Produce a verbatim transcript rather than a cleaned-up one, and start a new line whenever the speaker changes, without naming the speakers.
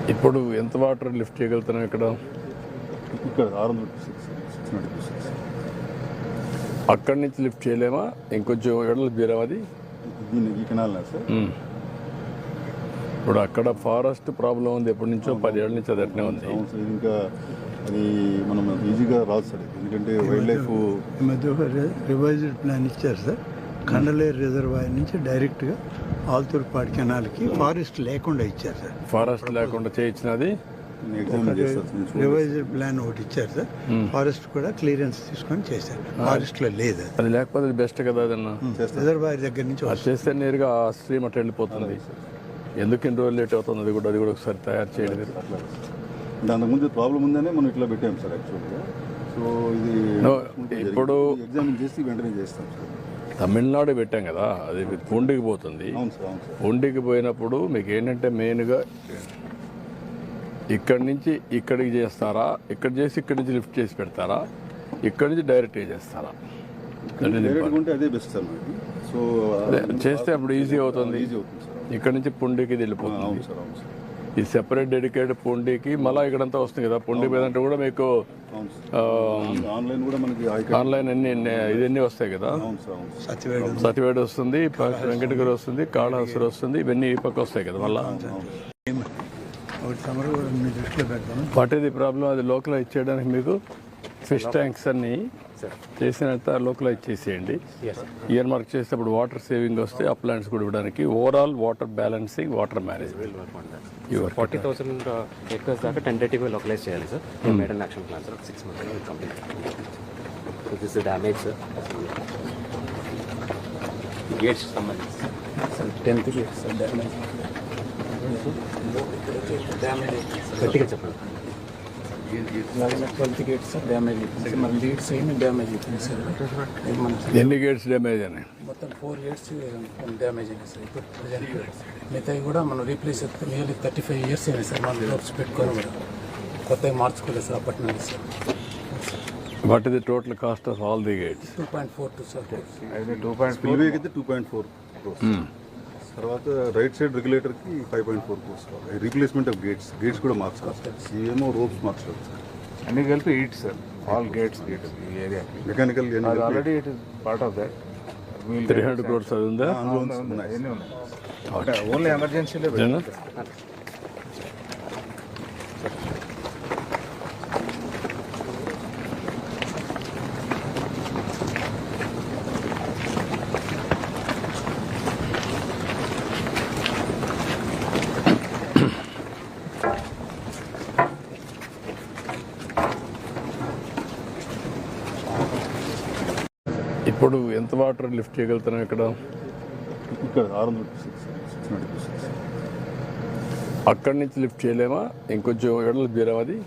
ఇప్పుడు ఎంత water lift చేయగలుగుతున్నాం ఇక్కడ?
ఇక్కడ ఆరు వందల సిక్స్ సిక్స్ నైంటీ సిక్స్
అక్కడి నుంచి లిఫ్ట్ చేయలేమా? ఇంకొంచెం ఎడలు బీరాం అది
దీన్ని ఈ కెనాల్నా సార్?
ఇప్పుడు అక్కడ ఫారెస్ట్ ప్రాబ్లం ఉంది, ఎప్పటి నుంచో పదేళ్ళ నుంచి అది అట్నే ఉంది.
అవును సార్, ఇంకా అది మనం ఈజీగా రాదు సార్, ఎందుకంటే వైల్డ్ లైఫ్
ఈ మధ్య ఒక రివైజ్డ్ ప్లాన్ ఇచ్చారు సార్. కండలేరు రిజర్వాయర్ నుంచి డైరెక్ట్గా ఆల్తూర్పాడు కెనాల్కి ఫారెస్ట్ లేకుండా ఇచ్చారు సార్.
ఫారెస్ట్ లేకుండా చేయించినది
ఎగ్జామిన్ చేస్తారు.
రివైజ్డ్ ప్లాన్ ఒకటి ఇచ్చారు సార్. ఫారెస్ట్ కూడా క్లియరెన్స్ తీసుకొని చేశారు. ఫారెస్ట్ లో లేదు అది.
అది లేకపోతే అది బెస్ట్ కదా అదన్నా.
రిజర్వాయర్ దగ్గర నుంచి
అది చేస్తే నేరుగా ఆ స్ట్రీమ్ అట్లా వెళ్ళిపోతుంది. ఎందుకు ఇన్ని రోజులు లేట్ అవుతుంది? అది కూడా అది కూడా ఒకసారి తయారు చేయలేదు.
దాని ముందు ప్రాబ్లం ఉందనే మనం ఇట్లా పెట్టాం సార్ యాక్చువల్గా. సో ఇది
ఇప్పుడు
ఎగ్జామిన్ చేసి వెంటనే చేస్తాం సార్.
తమిళనాడు పెట్టాం కదా, అది పూండికి పోతుంది.
అవును సార్, అవును సార్.
పూండికి పోయినప్పుడు మీకు ఏంటంటే మెయిన్గా ఇక్కడి నుంచి ఇక్కడికి చేస్తారా, ఇక్కడ చేసి ఇక్కడి నుంచి లిఫ్ట్ చేసి పెడతారా, ఇక్కడి నుంచి డైరెక్ట్గా చేస్తారా?
అదే బెస్ట్ సార్ మనకి. సో
చేస్తే అప్పుడు ఈజీ అవుతుంది.
ఈజీ అవుతుంది సార్.
ఇక్కడ నుంచి పుండికి వెళ్ళిపోతుంది.
అవును సార్, అవును సార్.
ఈ సెపరేట్ డెడికేటెడ్ పుండికి మళ్ళీ ఇక్కడంతా వస్తుంది కదా. పుండి మీద అంటే కూడా మీకు
ఆన్లైన్ కూడా మనకి
ఆన్లైన్ అన్ని ఇవన్నీ వస్తాయి కదా. సతివేడు వస్తుంది, వెంకటగిరి వస్తుంది, కాళహస్తి వస్తుంది, ఇవన్నీ ఈ పక్క వస్తాయి కదా. మళ్ళీ వాట్ ఈస్ ది ప్రాబ్లం? అది లోకలైజ్ చేయడానికి మీకు ఫిష్ ట్యాంక్స్ అన్ని చేసినంత లోకలైజ్ చేసేయండి. ఇయర్ మార్క్ చేసేటప్పుడు వాటర్ సేవింగ్ వస్తే ఆ ప్లాంట్స్ కూడా ఇవ్వడానికి. Overall water balancing, water management.
Forty thousand acres దాకా టెంటేటివ్గా లోకలైజ్ చేయాలి sir. Model action plan sir. Six months complete. So this damage sir. Gates సంబంధించి sir tenth gates sir damage. గట్టిగా చెప్పండి.
ట్వెల్త్ గేట్స్ డ్యామేజ్ అయిపోయింది. మన లీడ్స్ ఏమి damage అయిపోయింది సార్.
ఎన్ని గేట్స్ డ్యామేజ్ అని?
మొత్తం ఫోర్ గేట్స్ డ్యామేజ్ అయినాయి సార్. ఇప్పుడు ప్రజెంట్ మిగతాయి కూడా మనం replace nearly thirty five years అయినాయి సార్. మనం డోర్స్ పెట్టుకొని కూడా కొత్తగా మార్చుకోలేదు సార్ అప్పటి నుండి sir.
What is the total cost of all the gates?
Two point four two sir.
Two point four అయితే టూ పాయింట్ ఫోర్ తర్వాత రైట్ సైడ్ రెగ్యులేటర్కి five point four crores replacement of gates. Gates కూడా మార్చుకోవాలి. ఇవేమో ropes మార్చుకోవాలి sir.
అన్ని కలిపి eight sir. All gates gates ఈ area
mechanical
already it is part of that.
Three hundred crores అది ఉందా?
ఎన్ని ఉన్నాయి? ఓన్లీ ఎమర్జెన్సీలో
ఇప్పుడు ఎంత వాటర్ లిఫ్ట్ చేయగలుగుతున్నాం ఇక్కడ?
ఇక్కడ ఆరు వందల సిక్స్ సిక్స్ నైంటీ సిక్స్
అక్కడి నుంచి లిఫ్ట్ చేయలేమా? ఇంకొంచెం ఎడలు బీరాం అది